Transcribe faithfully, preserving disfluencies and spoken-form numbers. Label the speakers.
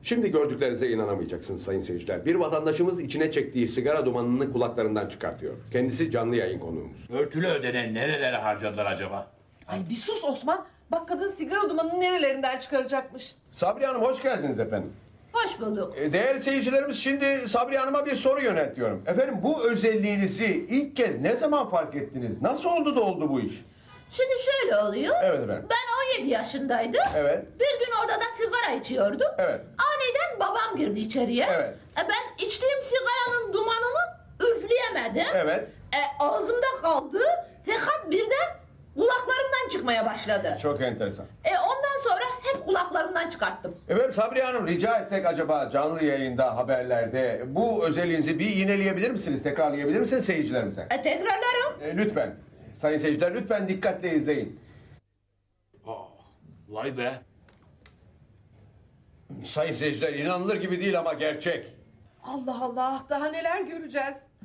Speaker 1: Şimdi gördüklerinize inanamayacaksınız sayın seyirciler. Bir vatandaşımız içine çektiği sigara dumanını kulaklarından çıkartıyor. Kendisi canlı yayın konuğumuz.
Speaker 2: Örtülü ödenen nerelere harcadılar acaba?
Speaker 3: Ay bir sus Osman. Bak kadın sigara dumanını nerelerinden çıkaracakmış.
Speaker 1: Sabriye Hanım hoş geldiniz efendim.
Speaker 4: Hoş bulduk.
Speaker 1: E, Değerli seyircilerimiz, şimdi Sabriye Hanım'a bir soru yöneltiyorum. Efendim, bu özelliğinizi ilk kez ne zaman fark ettiniz? Nasıl oldu da oldu bu iş?
Speaker 4: Şimdi şöyle oluyor.
Speaker 1: Evet efendim.
Speaker 4: Ben on yedi yaşındaydım.
Speaker 1: Evet.
Speaker 4: Bir gün odada sigara içiyordum.
Speaker 1: Evet.
Speaker 4: Aniden babam girdi içeriye.
Speaker 1: Evet.
Speaker 4: E, ben içtiğim sigaranın dumanını üfleyemedim.
Speaker 1: Evet.
Speaker 4: E, ağzımda kaldı. Fakat birden kulaklarımdan çıkmaya başladı.
Speaker 1: Çok enteresan.
Speaker 4: E, ondan sonra hep kulaklarımdan çıkarttım.
Speaker 1: Efendim Sabriye Hanım, rica etsek acaba canlı yayında, haberlerde bu özelliğinizi bir yineleyebilir misiniz? Tekrarlayabilir misiniz seyircilerimize?
Speaker 4: E, tekrarlarım.
Speaker 1: E, lütfen. Sayın seyirciler, lütfen dikkatle izleyin.
Speaker 2: Aa, vay be.
Speaker 1: Sayın seyirciler, inanılır gibi değil ama gerçek.
Speaker 3: Allah Allah daha neler göreceğiz.